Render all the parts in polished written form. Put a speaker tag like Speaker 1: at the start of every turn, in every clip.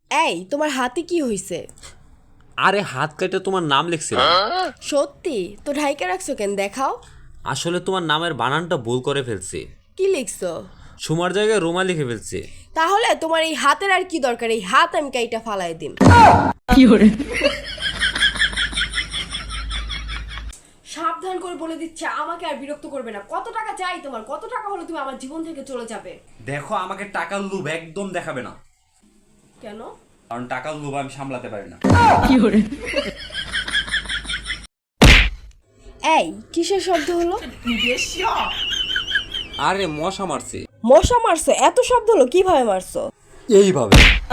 Speaker 1: এই তোমার হাতে কি হইছে?
Speaker 2: আরে হাত কেটে তোমার নাম লিখছিলাম।
Speaker 1: সত্যি? তো ঢাইকা রাখছো কেন, দেখাও।
Speaker 2: আসলে তোমার নামের বানানটা ভুল করে ফেলছি।
Speaker 1: কি লিখছো?
Speaker 2: সুমার জায়গায় রোমা লিখে ফেলছি।
Speaker 1: তাহলে তোমার এই হাতের আর কি দরকার? এই হাত আমি কাইটা ফালাই দিম। সাবধান করে বলে দিচ্ছে, আমাকে আর বিরক্ত করবে না। কত টাকা চাই তোমার? কত টাকা হলে তুমি আমার জীবন থেকে চলে যাবে?
Speaker 3: দেখো, আমাকে টাকার লোভ একদম দেখাবে না,
Speaker 1: কেন?
Speaker 3: কারণ টাকার লোভ আমি সামলাতে পারি না।
Speaker 1: এই কিসের শব্দ হলো?
Speaker 2: আরে মশা মারছি।
Speaker 1: মশা মারছো? এত শব্দ হলো, কিভাবে মারছো?
Speaker 2: এইভাবে।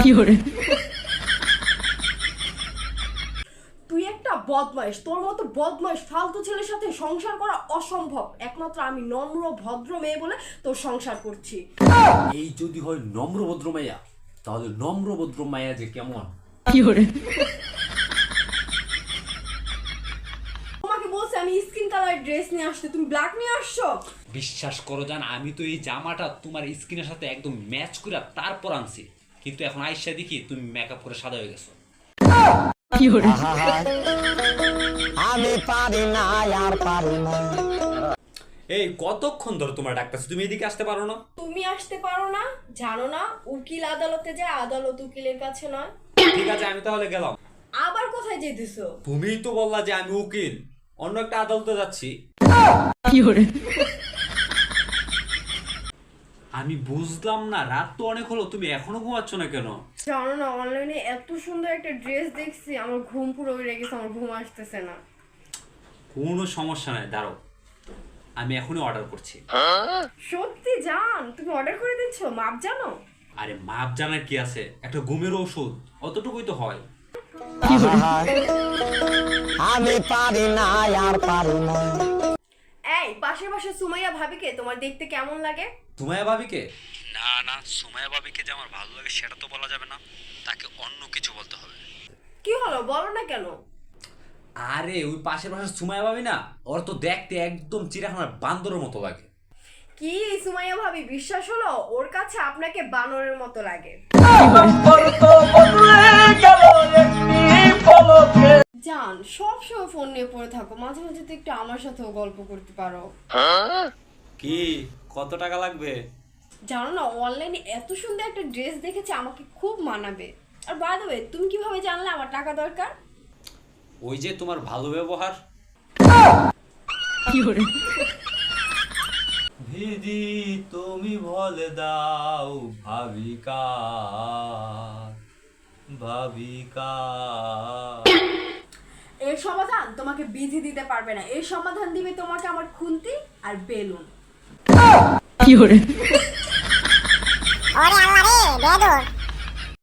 Speaker 1: তুই একটা বদমাইশ। তোর মতো বদমাইশ ফালতু ছেলের সাথে সংসার করা অসম্ভব। একমাত্র আমি নম্র ভদ্র মেয়ে বলে তোর সংসার করছি।
Speaker 3: এই যদি হয় নম্রভদ্র মাইয়া, তাহলে নম্রভদ্র মাইয়া যে কেমন।
Speaker 1: তোমাকে বলছি আমি স্কিন কালার ড্রেস নিয়ে আসতে, তুমি ব্ল্যাক নিয়ে আসছো।
Speaker 3: বিশ্বাস করো জান, আমি তো এই জামাটা তোমার স্কিনের সাথে একদম ম্যাচ করে তারপর আনছি, কিন্তু এখন আইসা দেখি তুমি মেকআপ করে সাদা হয়ে গেছো।
Speaker 4: আমি পারি না আর পারি না।
Speaker 3: এই কতক্ষণ ধরে তোমার ডাকতেছে, তুমি এদিকে আসতে পারো না?
Speaker 1: তুমি আসতে পারো না? জানো না উকিল আদালতে যায়, আদালত উকিলের কাছে নয়।
Speaker 3: ঠিক আছে, আমি তাহলে গেলাম।
Speaker 1: আবার কোথায় যেতেছো?
Speaker 3: তুমিই তো বললা যে আমি উকিল, অন্য একটা আদালতে যাচ্ছি। আমি বুঝলাম না, রাত তো অনেক হলো, তুমি এখনো ঘুমাচ্ছ না কেন?
Speaker 1: জানো না, অনলাইনে এত সুন্দর একটা ড্রেস দেখছি, আমার ঘুম পুরো উড়ে গেছে, আমার ঘুম আসতেছে না।
Speaker 3: কোনো সমস্যা নাই, দাঁড়াও, আমি এখনই অর্ডার করছি।
Speaker 1: সত্যি জান? তুমি অর্ডার করে দিচ্ছ? মাপ জানো?
Speaker 3: আরে মাপ জানার কি আছে, একটা ঘুমের ওষুধ, অতটুকুই তো হয়।
Speaker 4: আমি পারি না আর পারি না।
Speaker 1: এই পাশে পাশে সুমাইয়া ভাবিকে তোমার দেখতে কেমন লাগে?
Speaker 3: সুমাইয়া ভাবিকে?
Speaker 2: না না, সুমাইয়া ভাবিকে যে আমার ভালো লাগে সেটা তো বলা যাবে না, তাকে অন্য কিছু বলতে হবে।
Speaker 1: কি হলো, বলো না কেন?
Speaker 3: আরে ওই পাশের পাশে সুমাইয়া ভাবি না, ওর তো দেখতে একদম চিড়িয়াখানার বান্দরের মতো লাগে।
Speaker 1: কি সুমাইয়া ভাবি, বিশ্বাস হলো? ওর কাছে আপনাকে বানরের মতো লাগে। জান, সব সময় ফোন নিয়ে পড়ে থাকো, মাঝে মাঝে তো একটু আমার সাথেও গল্প করতে পারো।
Speaker 3: কি, কত টাকা লাগবে?
Speaker 1: জানো না, অনলাইনে এত সুন্দর একটা ড্রেস দেখেছি, আমাকে খুব মানাবে। আর বাই দ্য ওয়ে, তুমি কিভাবে জানলে আমার টাকা দরকার?
Speaker 3: ওই যে তোমার ভালো ব্যবহার। দিদি তুমি বলে দাও ভাবিকা, ভাবিকা।
Speaker 1: এর সমাধান তোমাকে বিধি দিতে পারবে না, এর সমাধান দিবে তোমাকে আমার খুন্তি আর বেলুন।
Speaker 4: ওরে আল্লাহ রে বেদর।